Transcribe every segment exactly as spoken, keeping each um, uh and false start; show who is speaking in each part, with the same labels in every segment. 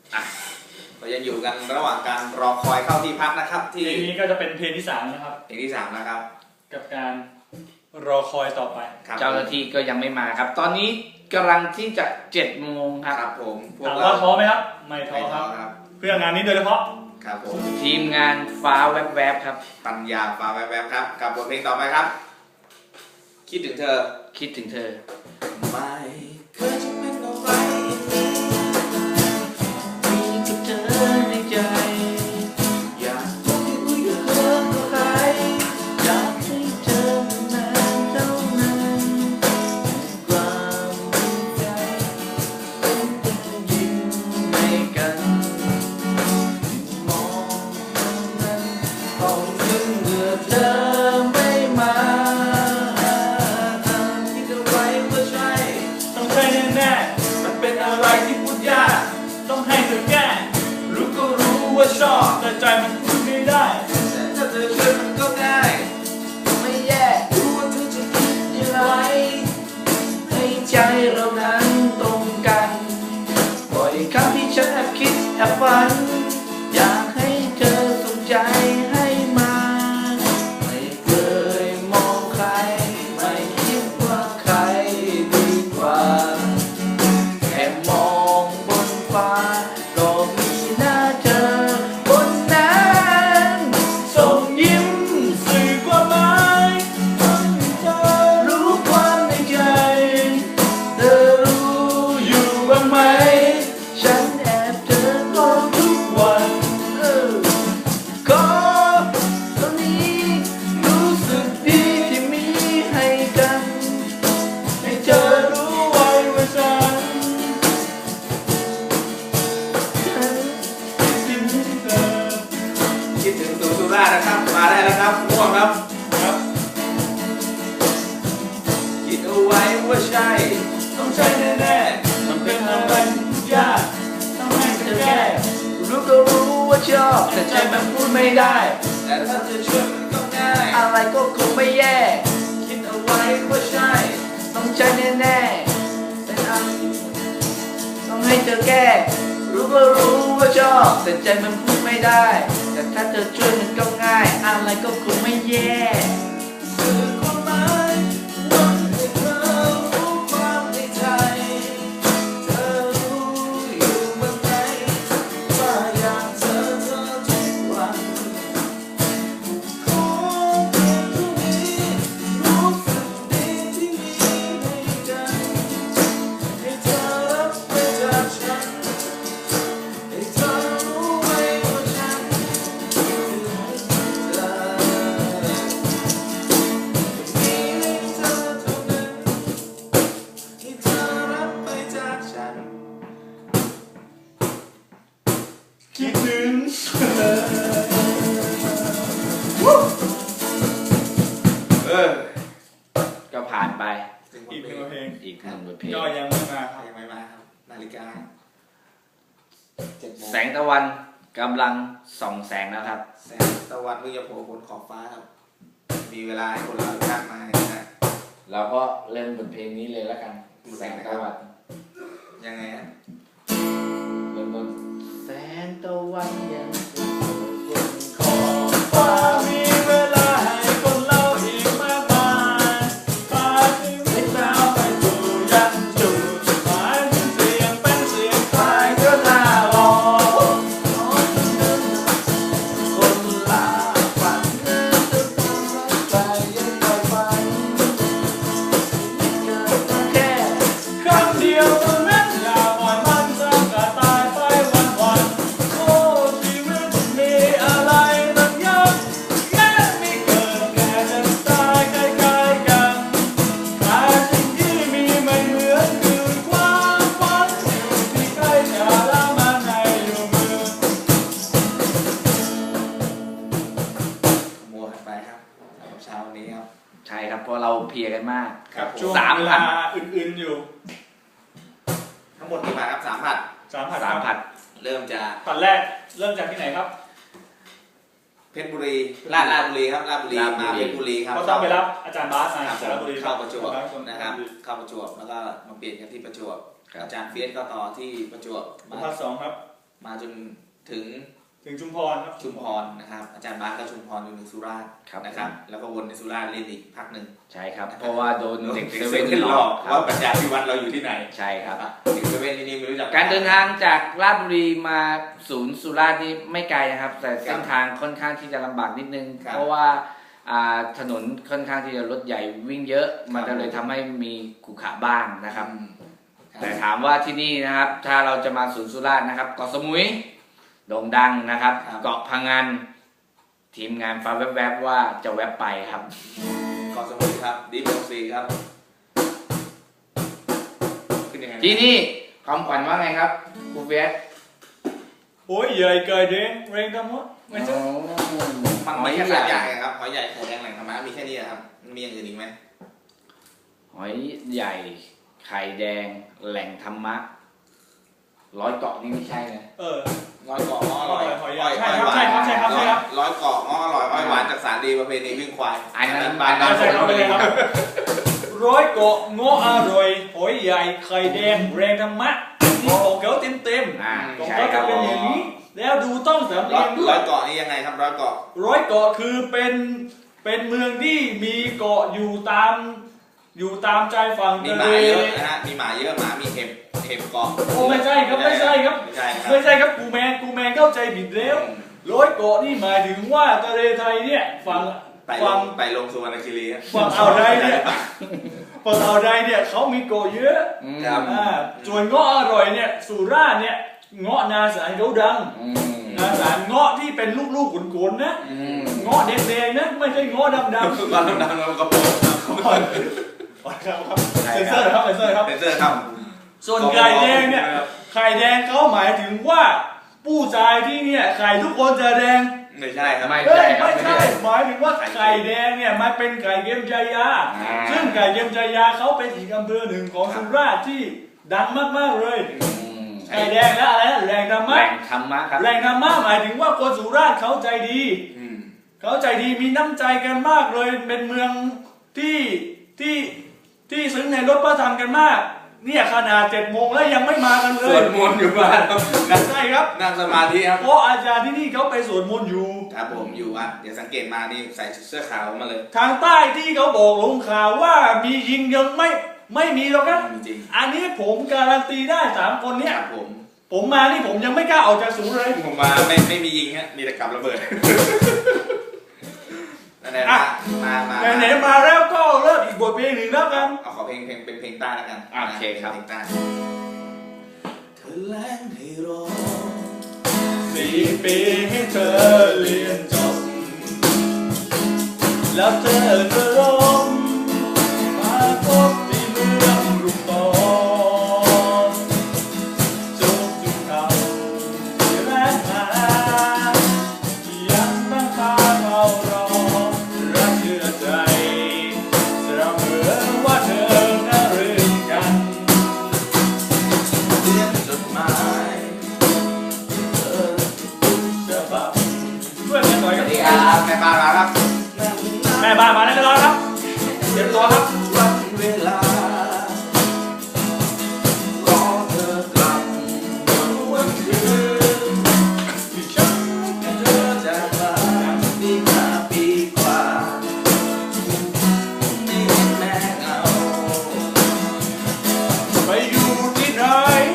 Speaker 1: เรายังอยู่กันระหว่างการรอคอยเข้าที่พักนะครับที่
Speaker 2: เพลงนี้ก็จะเป็นเพลงที่สามนะครับ
Speaker 1: เพลงที่สามนะครับ
Speaker 2: กับการรอคอยต่อไป
Speaker 3: เจ้าหน้าที่ก็ยังไม่มาครับตอนนี้กำลังที่จะเจ็ดโมงครับ
Speaker 1: ครับผม
Speaker 2: ถามว่าท้อไหมครับไม่ท้อครับเพื่องานนี้โดยเฉพาะ
Speaker 1: ครับผม
Speaker 3: ทีมงานฟ้าแวบๆครับ
Speaker 1: ปัญญาฟ้าแวบๆครับกับบทเพลงต่อไปครับคิดถึงเธอ
Speaker 3: คิดถึงเธอ
Speaker 1: ไม่เคยจะเป็นอะไร
Speaker 3: มีกับเธอในใจอยากคุยคุยกับเธอกับใครอยากให้เธอนานเท่านั้นความใจเป็นตัวยิ้มให้กันมองนั้นต้องถึงเมื่อเธอไม่มาคิดเอาไว้ว่าใช่
Speaker 2: ต้องใช่แน่ๆมันเป็นอะไรที่พูดยากต้องให้เธอแก้รู้ก็รู้ว่าชอบแต่ใจมันพูดไม่ได้
Speaker 1: แต่ถ้าเธอช่วยมันก็ง่าย
Speaker 3: ไม่แย่รู้ว่าเธอจะคิดอย่างไรให้ใจเรานั้นตรงกันบ่อยครั้งที่ฉันแอบคิดแอบฝันอยากให้เธอสนใจให้มาไม่เคยมองใครไม่คิดว่าใครดีกว่าแค่มองบนฟ้าก็มีหน้าเธอบนนั้นส่งยิ้ม
Speaker 2: สื่อความหมายให้เธอ
Speaker 3: รู้ความในใจเธอรู้อยู่บ้างไหมฉันแอบเธอก็ทุกวันเออก็ตอนนี้รู้สึกดีที่มีให้กันให้เธอรู้ไว้ว่าฉันฉันคิดถึงเธอ
Speaker 1: คิดถึงสุสุรานะครับมาได้แล้วครับง่วงครับ
Speaker 2: ครับ
Speaker 1: คิดเอาไว้ว่าใช่
Speaker 2: ต้องใช่แน่ๆมันเป็นอะไรที่พูดยากต้องให้เธอแก้
Speaker 3: รู้ก็รู้ว่าชอบแต่ใจมันพูดไม่ได้
Speaker 1: แต่ถ้าเธอช่วยมันก็ง่าย
Speaker 3: อะไรก็คงไม่แย่
Speaker 1: คิดเอาไว้ว่าใช่
Speaker 3: ต้องใจแน่ๆเป็นอันต้องให้เธอแก้รู้ก็รู้ว่าชอบแต่ใจมันพูดไม่ได้แต่ถ้าเธอช่วยมันก็ง่ายอะไรก็คงไม่แย่
Speaker 1: สื่อความหมายว่าให้เธอรู้ความในใจเธอรู้อยู่เมื่อไหร่ว่าอยากเจอเธอทุกวันขอเพียงเท่านี้รู้สึกดีที่มีให้กันให้เธอรับไปจากฉันให้เธอรู้ไว้ว่าฉันคิดถึงเธอมีให้เธอเท่านั้นให้เธอรับไปจากฉัน
Speaker 2: คิดถึง
Speaker 1: เออ
Speaker 3: ก็ผ่านไป
Speaker 2: อีกหนึ่งเพลง
Speaker 3: อีกหนึ่งบทเพลง
Speaker 2: ก็ยังไม่มาครับ
Speaker 1: ยังไม่มาครับนาฬิกาเจ็ดโมง
Speaker 3: แสงตะวันกำลังส่องแสงแล้วครับ
Speaker 1: แสงตะวันเพิ่งจะโผล่บนขอบฟ้าครับมีเวลาให้คนเรามากมายนะ
Speaker 3: เราก็เริ่มบทเพลงนี้เลยแล้วกันแสงตะวัน
Speaker 1: ยังไงฮะ
Speaker 3: เริ่มต้นแสงตะวันยังส่องบนขอบฟ้า
Speaker 2: มีเวลาให้คนเราอีกมากมายพาชีวิตเราไปสู่ยันจุดหมายถึงเสียงเป็นเสียงใครก็น่ารอ
Speaker 3: คนลาฝันเดินไปยังปล่อยฝันเกิดมาแค่
Speaker 2: ครั้งเดียวเท่านั้นอย่าปล่อยมันสักกะตายไปวันๆโอ้ชีวิตมีอะไรตั้งเยอะแยะไม่เกิดแก่เจ็บตายใกล้ๆกันแต่สิ่งที่มีไม่เหมือนคือความฝันอยู่ที่ใกล้จะละมันให้อยู่มือ
Speaker 1: มัวกันไปครับสำหรับเช้าวันนี้ครับ
Speaker 3: ใช่ครับเพราะเราเพลียกันมาก
Speaker 1: ครับผม
Speaker 2: ช่วง
Speaker 3: สาม
Speaker 2: เว
Speaker 3: พั
Speaker 2: ลาน อื่นๆอยู่
Speaker 1: ทั้งหมดกี่บาทครับสามผัด
Speaker 2: สามผัด
Speaker 3: สามผัด
Speaker 1: เริ่มจาก
Speaker 2: ผัดแรกเริ่มจากที่ไหนครับ
Speaker 1: เพชรบุรีลาดลาดบุรีครับลาดบุรีมาเพชรบุรีครับ
Speaker 2: เขาต้องไปรับอาจารย์บาสมา
Speaker 1: ครับ
Speaker 2: จากลาดบุรี
Speaker 1: เข้าประจวบนะครับเข้าประจวบแล้วก็มาเปลี่ยนกันที่ประจวบอาจารย์เฟียสก็ต่อที่ประจวบ
Speaker 2: ผัดสองครับ
Speaker 1: มาจนถึง
Speaker 2: ถึงชุมพรครับ
Speaker 1: ชุมพรนะครับอาจารย์บาสก็ชุมพรจนถึงสุราษฎร์นะครับแล้วก็วนในสุราษฎร์เล่นอีกพักหนึ่ง
Speaker 3: ใช่ครับเพราะว่าโดนเด็กเซเว่น
Speaker 1: หลอกว่าปัญญาพิวัตรเราอยู่ที่ไหน
Speaker 3: ใช่ครับ
Speaker 1: เด็กเซเว่นที่นี่ไม่รู้จัก
Speaker 3: การเดินทางจากราชบุรีมาศูนย์สุราษฎร์นี่ไม่ไกลนะครับแต่เส้นทางค่อนข้างที่จะลำบากนิดนึงเพราะว่าถนนค่อนข้างที่จะรถใหญ่วิ่งเยอะมันจะเลยทำให้มีขรุขระบ้างนะครับแต่ถามว่าที่นี่นะครับถ้าเราจะมาศูนย์สุราษฎร์นะครับเกาะสมุยโด่งดังนะครับเกาะพังงานทีมงานฟ้าแวบๆว่าจะแวบไปครับ
Speaker 1: เกาะสมุยครับดีโบซีครับ
Speaker 3: ที่นี่คำขวัญว่าไงครับครูเฟียส
Speaker 2: โอ้ยใหญ่เกิดเด้งเร่งทั้งหมดไม่ใช่
Speaker 1: มันไม่ใช่ใหญ่ครับหอยใหญ่ไข่แดงแหล่งธรรมะมีแค่นี้ครับมีอย่างอื่นอีกไหม
Speaker 3: หอยใหญ่ไข่แดงแหล่งธรรมะร้อยเกาะนี่ไม่ใช่นะ
Speaker 2: เออ
Speaker 1: ร้อยเกาะง้ออร่อย
Speaker 2: ใช่ครับใช่ครับใช่ครับใช่ครับ
Speaker 1: ร้อยเกาะง้ออร่อยอ้อยหวานจากสารดีประเพณีวิ่งควาย
Speaker 3: อันนั้น
Speaker 1: บานนั้น
Speaker 2: ใช่ครับเลยครับร้อยเกาะง้ออร่อยหอยใหญ่ไข่แดงแรงธรรมะนี่ของเขาเต็มเต็มของเขาจะเป็นอย่างนี้แล้วดูต้องสำเนียง
Speaker 1: ร้อยเกาะนี่ยังไงครับร้อยเกาะ
Speaker 2: ร้อยเกาะคือเป็นเป็นเมืองที่มีเกาะอยู่ตามอยู่ตามใจฝั่ง
Speaker 1: มีหมาเยอะนะฮะมีหมาเยอะหมามีเห็บเห็บเกาะ
Speaker 2: โอ้ไม่ใช่ครับไม่ใช่ครับ
Speaker 1: ไม่ใช่ครับ
Speaker 2: ไม่ใช่ครับกูแมนกูแมนเข้าใจผิดแล้วร้อยเกาะนี่หมายถึงว่าทะเลไทยเนี่ยฝั่ง
Speaker 1: ฝั่งไต่ลงสุวรรณคีรี
Speaker 2: ฝั่งอ่าวไทยเนี่ยฝั่งอ่าวไทยเนี่ยเขามีเกาะเยอะ
Speaker 1: ครับ
Speaker 2: ส่วนเงาะอร่อยเนี่ยสุราษฎร์เนี่ยเงาะนาสารเขาดังนาสารเงาะที่เป็นลูกๆขุนๆนะเงาะแดงๆนะไม่ใช่เงาะดำๆเงา
Speaker 1: ะดำๆเราก็พอ
Speaker 2: ครับเซนเซอร์ครับเซนเซอร์ครับ
Speaker 1: เซนเซอร์ครับ
Speaker 2: ส่วนไข่แดงเนี่ยไข่แดงเขาหมายถึงว่าผู้ชายที่เนี่ยไข่ทุกคนจะแดง
Speaker 1: ไม่ใช่ครับ
Speaker 3: ไม่ใช่
Speaker 2: ไม่ใช่หมายถึงว่าไข่แดงเนี่ยมันเป็นไข่เกมจายาซึ่งไข่เกมจายาเขาเป็นอีกอำเภอหนึ่งของสุราษฎร์ที่ดังมากๆเลยไข่แดงและอะไรนะแรงธรรมะ
Speaker 3: แรงธรรมะครับ
Speaker 2: แรงธรรมะหมายถึงว่าคนสุราษฎร์เขาใจดีเขาใจดีมีน้ำใจกันมากเลยเป็นเมืองที่ที่ที่ซึ้งในรถพระธรรมกันมากเนี่ยขนาดเจ็ดโมงแล้วยังไม่มากันเลย
Speaker 1: สวดมนต์อยู่บ้าน
Speaker 2: ครับใช่ครับ
Speaker 1: นั่งสมาธิครับ
Speaker 2: เพราะอาจารย์ที่นี่เขาไปสวดมนต์อยู่
Speaker 1: ครับผมอยู่อ่ะเดี๋ยวสังเกตมานี่ใส่เสื้อขาวมาเลย
Speaker 2: ทางใต้ที่เขาบอกลงข่าวว่ามียิงยังไม่ไม่มีหรอกครับ
Speaker 1: จริง
Speaker 2: อันนี้ผมการันตีได้สามคนเนี้ย
Speaker 1: ครับผม
Speaker 2: ผมมานี่ผมยังไม่กล้าออกจากศูนย์เลย
Speaker 1: ผมมาไม่ไม่มียิงฮะมีแต่กับระเบิด
Speaker 2: อ่ะมามาไหนๆมาแล้วก็เริ่มอีกบทเพลงหนึ่งแล้วกัน
Speaker 1: เอาขอเพลงเพลงเป็นเพลงใต้แล้วกัน
Speaker 3: โอเคครับ
Speaker 1: เพลงใต้เธอแลงให้รอ
Speaker 2: สี่ปีให้เธอเรียนจบแล้วเธอจะร้องมาพบที่เมืองรุ่งโตจุกจุกเขาที่แรงมายังตั้งตาเรารอรักเชื่อใจเราเหมือนว่าเธอน่ารื่นกัน
Speaker 1: เรียนจดหมายเธอ
Speaker 2: จะแบบช่วยกันหน่อยครับ
Speaker 1: สวัสดีครับแม่บ้านมาครับ
Speaker 2: แม่บ้านมาแล้วก็รอครับเตรียมตัวครับ
Speaker 1: วันเวลารอเธอกลับวันคืนที่ฉันกับเธอจะมาปีห้าปีกว่าไม่เห็นแม่เงา
Speaker 2: ไปอยู่ที่ไหน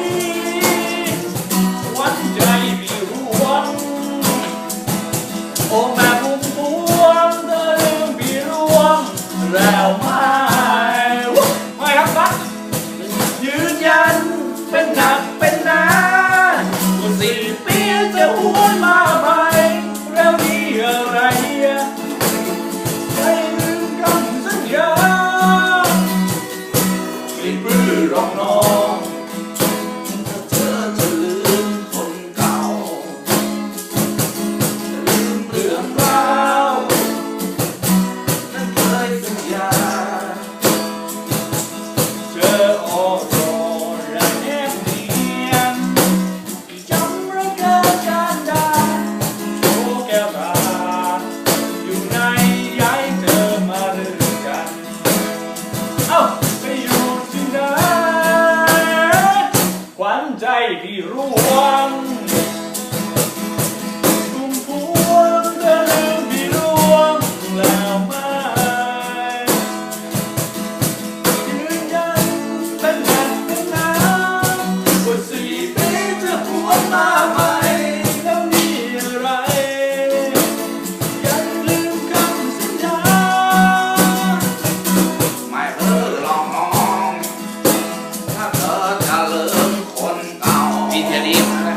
Speaker 2: วันใจมีร่วงโอ้แม่พุ่มพวงเธอลืมพี่ร่วงแล้วไม่ไม่ครับบัสยืนยันเป็นหนักเป็นหนา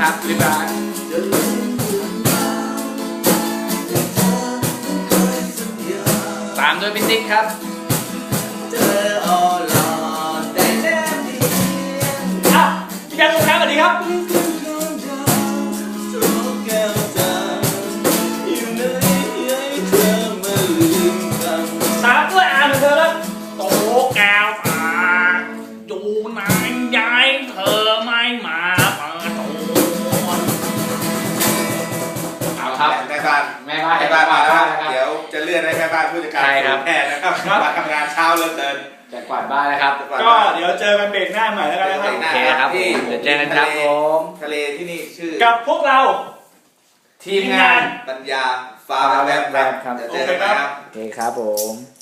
Speaker 3: ครับบ๊ายบาย
Speaker 1: จะลืมคุณบ้างแต่เธอไม่เคยสัญญา
Speaker 3: ตามด้วยพี่ติ๊กครับ
Speaker 1: เธออ่อนหลอดได้แนบเนียน
Speaker 2: อ่ะพี่แกงครับสวัสดีครับ
Speaker 1: ลิ้นคุณคอนดาวทุกแก้วตาอยู่ไหนให้เธอมาลืมกัน
Speaker 2: ตามด้วยอ่านเธอแล้วโตแก้วตาอยู่ไหนยายเธอไม่มาเปิดตัว
Speaker 3: เอาครับ
Speaker 4: แม่บ้าน
Speaker 3: แม่บ้าน
Speaker 4: แม่บ้านมาแล้ว
Speaker 3: ครับ
Speaker 4: เดี๋ยวจะเลื่อนให้แม่บ้านผู้จัดการ
Speaker 3: ใช่ครับ
Speaker 4: แพทย์นะครับมาทำงานเช้าเหลือเกิน
Speaker 3: จะกวาดบ้านนะครับ
Speaker 2: ก็เดี๋ยวเจอกันเบรกหน้าใหม่แล้วกันนะครับ
Speaker 3: โอเคครับผมเดี๋ยวเจอกันครับผม
Speaker 4: ทะเลที่นี่ชื่อ
Speaker 2: กับพวกเรา
Speaker 3: ทีมงาน
Speaker 4: ปัญญาฟ้าแวบๆ
Speaker 3: ครับ
Speaker 4: เดี๋ยวเจอกันนะครับ
Speaker 3: โอเคครับผม